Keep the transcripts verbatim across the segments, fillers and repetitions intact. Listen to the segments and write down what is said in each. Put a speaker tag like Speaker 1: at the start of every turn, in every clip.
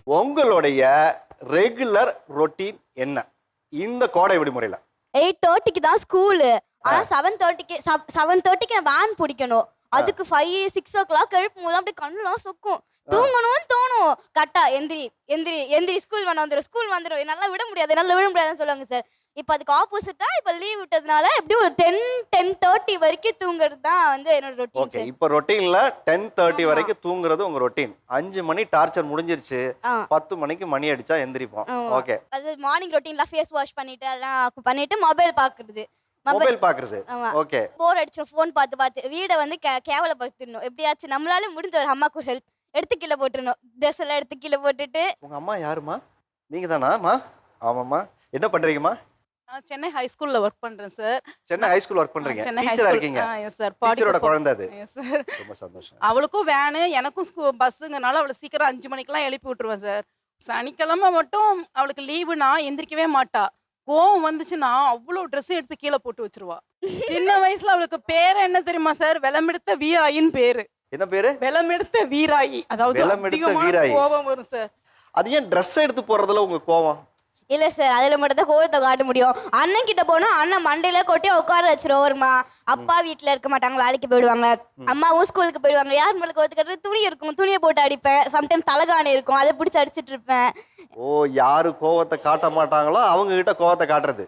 Speaker 1: உங்களுடைய regular routine என்ன இந்த கோடை விடுமுறையில?
Speaker 2: எயிட் தேர்ட்டிக்கு தான் ஸ்கூலு. ஆனா செவன் தேர்ட்டிக்கு செவன் தேர்ட்டிக்கு வேன் பிடிக்கணும். அதுக்கு ஃபைவ் சிக்ஸ் ஓ கிளாக் எழுப்பும் போது அப்படியே கண்ணுலாம் சொக்கும். தூங்கணும்னு தோணும். கரெக்டா எந்திரி எந்திரி எந்திரி ஸ்கூல் வேணா வந்துடும் ஸ்கூல் வந்துடும் நல்லா விட முடியாது நல்லா விட முடியாதுன்னு சொல்லுவாங்க சார். இப்போ அதுக்கு ஆப்போசிட்டா இப்போ லீவ் விட்டதுனால எப்படியும் ஒரு டென் டென் தேர்ட்டி வரைக்கும் தூங்குறது தான் வந்து என்னோட ரொட்டீன்.
Speaker 1: ஓகே, இப்போ ரொட்டீன்ல டென் தேர்ட்டி வரைக்கும் தூங்குறது உங்க ரொட்டீன். அஞ்சு மணி டார்ச்சர் முடிஞ்சிருச்சு, பத்து மணிக்கு மணி அடிச்சா எந்திரிப்போம். ஓகே,
Speaker 2: அது மார்னிங் ரொட்டீன்ல ஃபேஸ் வாஷ் பண்ணிட்டு அதெல்லாம் பண்ணிட்டு மொபைல் பாக்குறது.
Speaker 1: மொபைல் பாக்குறது. ஓகே,
Speaker 2: போர் அடிச்சு ஃபோன் பார்த்து பார்த்து வீடை வந்து கேவலப்படுத்திடணும். எப்படியாச்சும் நம்மளால முடிஞ்ச ஒரு அம்மாக்கு ஒரு ஹெல்ப் எடுத்து கீழே போட்டுடணும். ட்ரெஸ் எல்லாம் எடுத்து கீழே போட்டுட்டு.
Speaker 1: உங்க அம்மா யாருமா? நீங்க தானாமா? ஆமாம்மா. என்ன பண்றீங்கம்மா?
Speaker 3: நான் சென்னை ஹை ஸ்கூல்ல ஒர்க் பண்றேன் sir.
Speaker 1: Chennai high school work பண்றீங்க?
Speaker 3: சென்னை ஹை
Speaker 1: டீச்சரா
Speaker 3: ஸ்கூல்.
Speaker 1: இருக்கீங்க?
Speaker 3: Yes sir.
Speaker 1: டீச்சரோட குழந்தை அது.
Speaker 3: Yes sir.
Speaker 1: ரொம்ப சந்தோஷம்.
Speaker 3: அவளுக்கும் வேனு எனக்கும் ஸ்கூல் பஸ்ஸுங்கனால அவளை சீக்கிரம் அஞ்சு மணிக்கெல்லாம் எழுப்பி விட்டுருவேன் சார். சனிக்கிழமை மட்டும் அவளுக்கு லீவுனா எந்திரிக்கவே மாட்டா. கோவம் வந்துச்சுன்னா அவ்வளோ ட்ரெஸ் எடுத்து கீழே போட்டு வச்சிருவா. சின்ன வயசுல அவளுக்கு பேர் என்ன தெரியுமா சார்? வெளமெடுத்த வீராயின்னு பேரு.
Speaker 1: என்ன பேரு?
Speaker 3: வெளமெடுத்த வீராயி. அதாவது
Speaker 1: வெளமெடுத்த வீராயி.
Speaker 3: கோபம் வரும் சார்.
Speaker 1: அது ஏன் ட்ரெஸ் எடுத்து போறதுல உங்க கோவம்?
Speaker 2: இல்ல சார், அதுல மட்டும் தான் கோவத்தை காட்ட முடியும். அண்ணன் கிட்ட போனா அண்ணன் மண்டையில கொட்டி உட்கார வச்சிருவோம்மா. அப்பா வீட்டுல இருக்க மாட்டாங்க, வேலைக்கு போயிடுவாங்க. அம்மாவும் ஸ்கூலுக்கு போயிடுவாங்க. யார் மேல கோவத்தை கட்டுறது? துணி இருக்கும், துணியை போட்டு அடிப்பேன். சம்டைம்ஸ் தலகாணி இருக்கும், அதை பிடிச்சி அடிச்சிட்டு இருப்பேன்.
Speaker 1: ஓ, யாரு கோவத்தை காட்ட மாட்டாங்களோ அவங்க கிட்ட கோவத்தை காட்டுறது.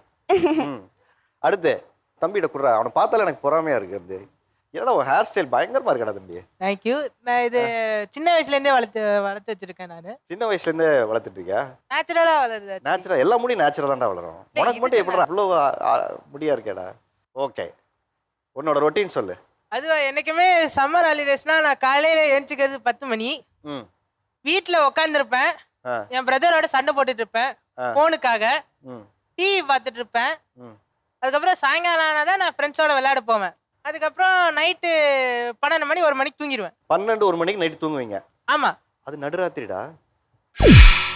Speaker 1: அடுத்து தம்பிகிட்ட குடுறா. அவனை பார்த்தால எனக்கு பொறாமையா இருக்கு. அது என்னடா உன் ஹேர் ஸ்டைல் பயங்கரமா இருக்கடா தம்பி.
Speaker 4: தேங்க்யூ. நான் இது சின்ன வயசுல இருந்தே வளர்த்து வளர்த்து வச்சிருக்கேன். நான்
Speaker 1: சின்ன வயசுல இருந்தே வளர்த்துட்டு இருக்கியா?
Speaker 4: நேச்சுரலா வளருது.
Speaker 1: நேச்சுரல் எல்லா முடியும் நேச்சுரல் தான்டா வளரும். உனக்கு மட்டும் எப்படிடா அவ்வளோ முடியா இருக்கேடா? ஓகே, உன்னோட ரொட்டீன் சொல்லு.
Speaker 4: அது என்னைக்குமே சம்மர் ஹாலிடேஸ்னா நான் காலையில எழுந்திரிக்கிறது பத்து மணி.
Speaker 1: ம்,
Speaker 4: வீட்டில் உட்காந்துருப்பேன். என் பிரதரோட சண்டை போட்டுட்டு இருப்பேன் ஃபோனுக்காக.
Speaker 1: ம்,
Speaker 4: டிவி பார்த்துட்டு இருப்பேன்.
Speaker 1: ம்.
Speaker 4: அதுக்கப்புறம் சாயங்காலம் ஆனாதான் நான் ஃப்ரெண்ட்ஸோட விளையாட போவேன். அதுக்கப்புறம் நைட்டு பன்னெண்டு மணி ஒரு மணிக்கு தூங்கிடுவேன்.
Speaker 1: பன்னெண்டு ஒரு மணிக்கு நைட்டு தூங்குவீங்க?
Speaker 4: ஆமா.
Speaker 1: அது நடுராத்திரிடா.